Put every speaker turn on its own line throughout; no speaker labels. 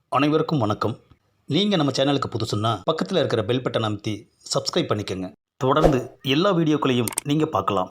அனைவருக்கும் வணக்கம். நீங்கள் நம்ம சேனலுக்கு புதுசுன்னா பக்கத்தில் இருக்கிற பெல் பட்டனை அமைத்தி சப்ஸ்கிரைப் பண்ணிக்கோங்க. தொடர்ந்து எல்லா வீடியோக்களையும் நீங்கள் பார்க்கலாம்.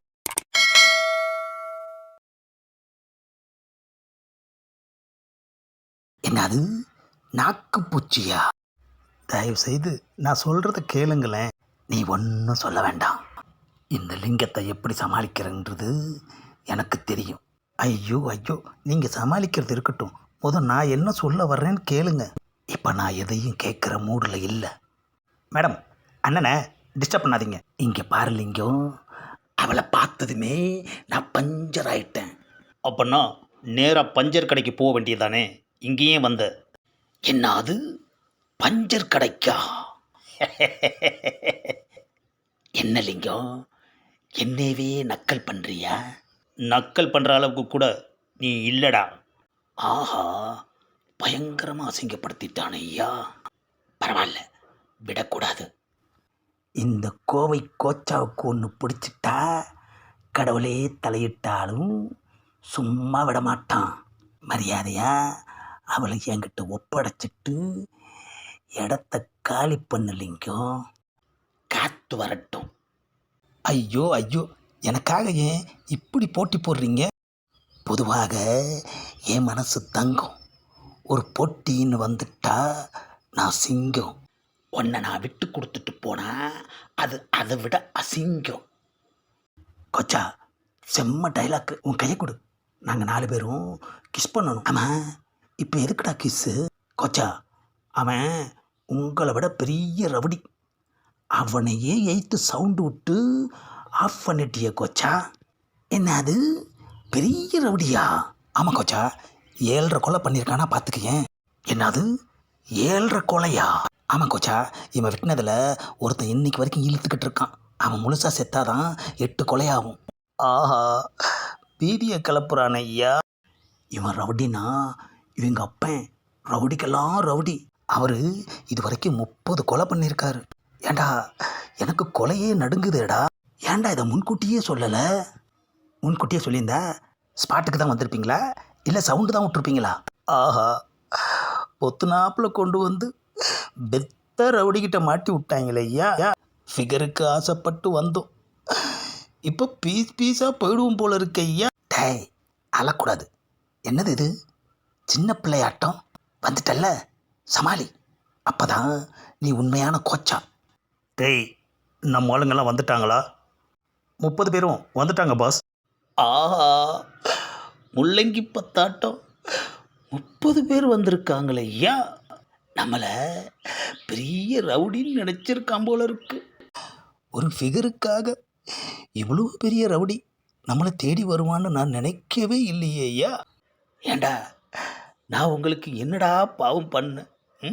என்னது நாக்கு பூச்சியா? தயவு செய்து நான் சொல்கிறத கேளுங்களேன். நீ ஒன்றும் சொல்ல வேண்டாம். இந்த லிங்கத்தை எப்படி சமாளிக்கிறன்றது எனக்கு தெரியும். ஐயோ ஐயோ, நீங்கள் சமாளிக்கிறது இருக்கட்டும். நான் என்ன சொல்ல வர்றேன்னு கேளுங்க. இப்போ நான் எதையும் கேட்குற மூடில் இல்லை. மேடம், அண்ணனை டிஸ்டர்ப் பண்ணாதீங்க. இங்கே பாரு லிங்கம், அவளை பார்த்ததுமே நான் பஞ்சர் ஆயிட்டேன். அப்போன்னா நேராக பஞ்சர் கடைக்கு போக வேண்டியதானே, இங்கேயே வந்த. என்ன அது பஞ்சர் கடைக்கா? என்ன லிங்கம், என்னவே நக்கல் பண்ணுறியா? நக்கல் பண்ணுற அளவுக்கு கூட நீ இல்லைடா. ஆஹா, பயங்கரமாக அசிங்கப்படுத்திட்டானே ஐயா. பரவாயில்ல, விடக்கூடாது. இந்த கோவை கோச்சாவுக்கு ஒன்று பிடிச்சிட்டா கடவுளே தலையிட்டாலும் சும்மா விடமாட்டான். மரியாதையா அவளை என்கிட்ட ஒப்படைச்சிட்டு இடத்த காலி பண்ணலிங்கும். காத்து வரட்டும். ஐயோ ஐயோ, எனக்காக ஏன் இப்படி போட்டி போடுறீங்க? பொதுவாக என் மனசு தங்கம். ஒரு போட்டின்னு வந்துட்டா நான் சிங்கம். உன்னை நான் விட்டு கொடுத்துட்டு போனா அது அதை விட அசிங்கம். கொச்சா, செம்ம டைலாக்கு. உன் கையை கொடு, நாங்கள் 4 பேரும் கிஸ் பண்ணணும். ஆமாம், இப்போ எதுக்குடா கிஸ்ஸு? கொச்சா, அவன் உங்களை விட பெரிய ரவுடி. அவனையே எய்த்து சவுண்டு விட்டு ஆஃப் பண்ணிட்டிய கொச்சா. என்ன அது பெரிய ரவுடியா? ஆமாம் கொச்சா, 7.5 கொலை பண்ணியிருக்கானா பார்த்துக்கேன். என்னது 7.5 கொலையா? ஆமாம் கொச்சா, இவன் வெட்டினதில் ஒருத்தன் இன்னைக்கு வரைக்கும் இழுத்துக்கிட்டு இருக்கான். அவன் முழுசாக செத்தாதான் 8 கொலையாகும். ஆஹா, பீதியை கிளப்புறான் ஐயா. இவன் ரவுடினா இவங்க அப்பன் ரவுடிக்கெல்லாம் ரவுடி. அவர் இது வரைக்கும் 30 கொலை பண்ணியிருக்காரு. ஏண்டா, எனக்கு கொலையே நடுங்குதேடா. ஏண்டா இதை முன்கூட்டியே சொல்லலை? முன்கூட்டியே சொல்லியிருந்தா ஸ்பாட்டுக்கு தான் வந்திருப்பீங்களா, இல்லை சவுண்டு தான் விட்டுருப்பீங்களா? ஆஹா, பொத்துனாப்பில் கொண்டு வந்து பெத்த ரவுடிக்கிட்ட மாட்டி விட்டாங்களே ஐயா. ஃபிகருக்கு ஆசைப்பட்டு வந்தோம், இப்போ பீஸ் பீஸாக போயிடுவோம் போல இருக்கு ஐயா. டேய், அழக்கூடாது. என்னது இது சின்ன பிள்ளையாட்டம்? வந்துட்டல்ல, சமாளி. அப்போதான் நீ உண்மையான கோச்சா. டேய், நம்ம ஆளுங்கெல்லாம் வந்துட்டாங்களா? 30 பேரும் வந்துட்டாங்க பாஸ். ஆஹா, முள்ளங்கி பத்தாட்டம் 30 பேர் வந்திருக்காங்களே ஐயா. நம்மளை பெரிய ரவுடின்னு நினச்சிருக்கான் போல இருக்கு. ஒரு ஃபிகருக்காக இவ்வளோ பெரிய ரவுடி நம்மளை தேடி வருவான்னு நான் நினைக்கவே இல்லையே ஐயா. ஏண்டா, நான் உங்களுக்கு என்னடா பாவம் பண்ணேன்?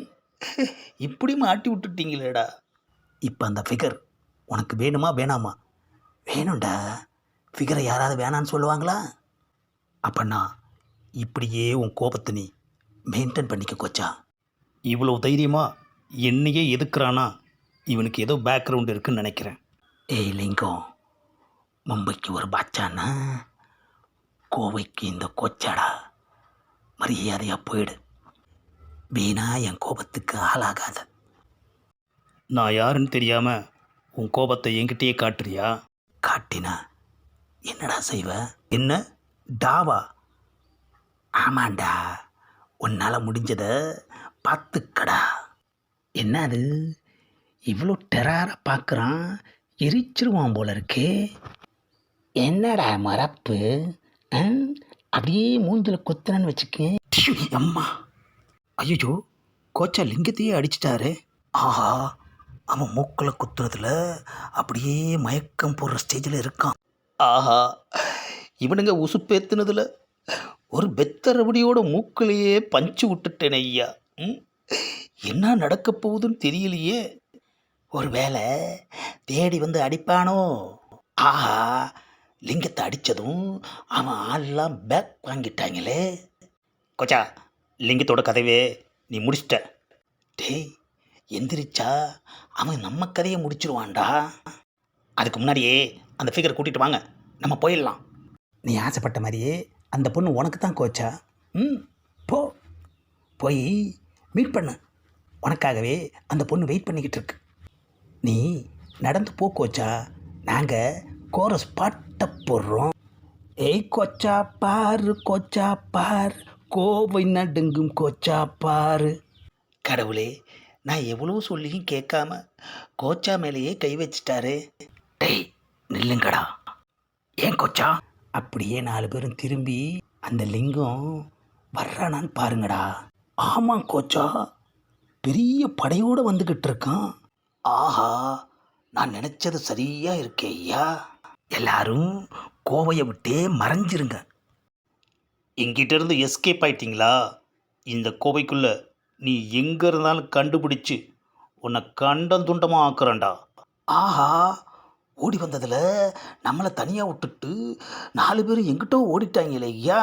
இப்படி மாட்டி விட்டுட்டீங்களேடா. இப்போ அந்த ஃபிகர் உனக்கு வேணுமா வேணாமா? வேணும்டா. ஃபிகரை யாராவது வேணான்னு சொல்லுவாங்களா? அப்பண்ணா இப்படியே உன் கோபத்தை நீ மெயின்டைன் பண்ணிக்க கோச்சா. இவ்வளோ தைரியமாக என்னையே எதுக்குறானா, இவனுக்கு ஏதோ பேக்ரவுண்ட் இருக்குன்னு நினைக்கிறேன். ஏய் லிங்கம், மும்பைக்கு ஒரு பாட்சானா கோவைக்கு இந்த கோச்சாடா. மரியாதையாக போயிடு. வீணா என் கோபத்துக்கு ஆளாகாத. நான் யாருன்னு தெரியாமல் உன் கோபத்தை என்கிட்டயே காட்டுறியா? காட்டினா என்னடா செய்வ? என்ன டாவா? ஆமாண்டா, உன்னால் முடிஞ்சதை பார்த்துக்கடா. என்ன அது இவ்வளோ டெராராக பார்க்குறான்? எரிச்சிருவான் போல இருக்கே. என்னடா மரப்பு, அப்படியே மூஞ்சில் குத்துனன்னு வச்சுக்கேன். அம்மா, ஐயோ, கோச்சா லிங்கத்தையே அடிச்சிட்டாரு. ஆஹா, அவன் மூக்கில் குத்துறதுல அப்படியே மயக்கம் போடுற ஸ்டேஜில் இருக்கான். ஆஹா, இவனுங்க உசுப்பேத்துனதுல ஒரு பெத்தரபடியோட மூக்கிலேயே பஞ்சு விட்டுட்டேன் ஐயா. என்ன நடக்க போகுதுன்னு தெரியலையே. ஒரு வேளை தேடி வந்து அடிப்பானோ? ஆஹா, லிங்கத்தை அடித்ததும் அவன் ஆள்லாம் பேக் வாங்கிட்டாங்களே. கொச்சா, லிங்கத்தோட கதைவே நீ முடிச்சிட்ட. டேய், எந்திரிச்சா அவன் நம்ம கதையை முடிச்சிருவான்டா. அதுக்கு முன்னாடியே அந்த ஃபிகரை கூட்டிகிட்டு வாங்க, நம்ம போயிடலாம். நீ ஆசைப்பட்ட மாதிரியே அந்த பொண்ணு உனக்கு தான் கோச்சா. போ, போய் மீட் பண்ணு. உனக்காகவே அந்த பொண்ணு வெயிட் பண்ணிக்கிட்டு இருக்கு. நீ நடந்து போ கோச்சா, நாங்கள் கோரஸ் பாட்டை போடுறோம். ஏய் கோச்சா பாரு, கோச்சா பாரு, கோவை நடுங்கும் கோச்சா பாரு. கடவுளே, நான் எவ்வளோ சொல்லியும் கேட்காம கோச்சா மேலேயே கை வச்சிட்டாரு. டேய் நில்லுங்கடா. ஏன் கோச்சா? அப்படியே 4 பேரும் திரும்பி அந்த லிங்கம் வர்றானான்னு பாருங்கடா. ஆமாம் கோச்சா, பெரிய படையோடு வந்துக்கிட்டு இருக்கான். ஆஹா, நான் நினச்சது சரியாக இருக்கே ஐயா. எல்லாரும் கோவையை விட்டே மறைஞ்சிருங்க. எங்கிட்ட இருந்து எஸ்கேப் ஆயிட்டீங்களா? இந்த கோவைக்குள்ள நீ எங்கே இருந்தாலும் கண்டுபிடிச்சு உன்னை கண்டம் துண்டமாக ஆக்குறேன்டா. ஆஹா, ஓடி வந்ததில் நம்மளை தனியாக விட்டுட்டு 4 பேரும் எங்கிட்டோ ஓடிட்டாங்களே ஐயா.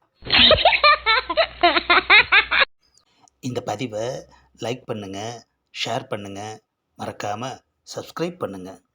இந்த பதிவை லைக் பண்ணுங்கள், ஷேர் பண்ணுங்கள், மறக்காமல் சப்ஸ்கிரைப் பண்ணுங்கள்.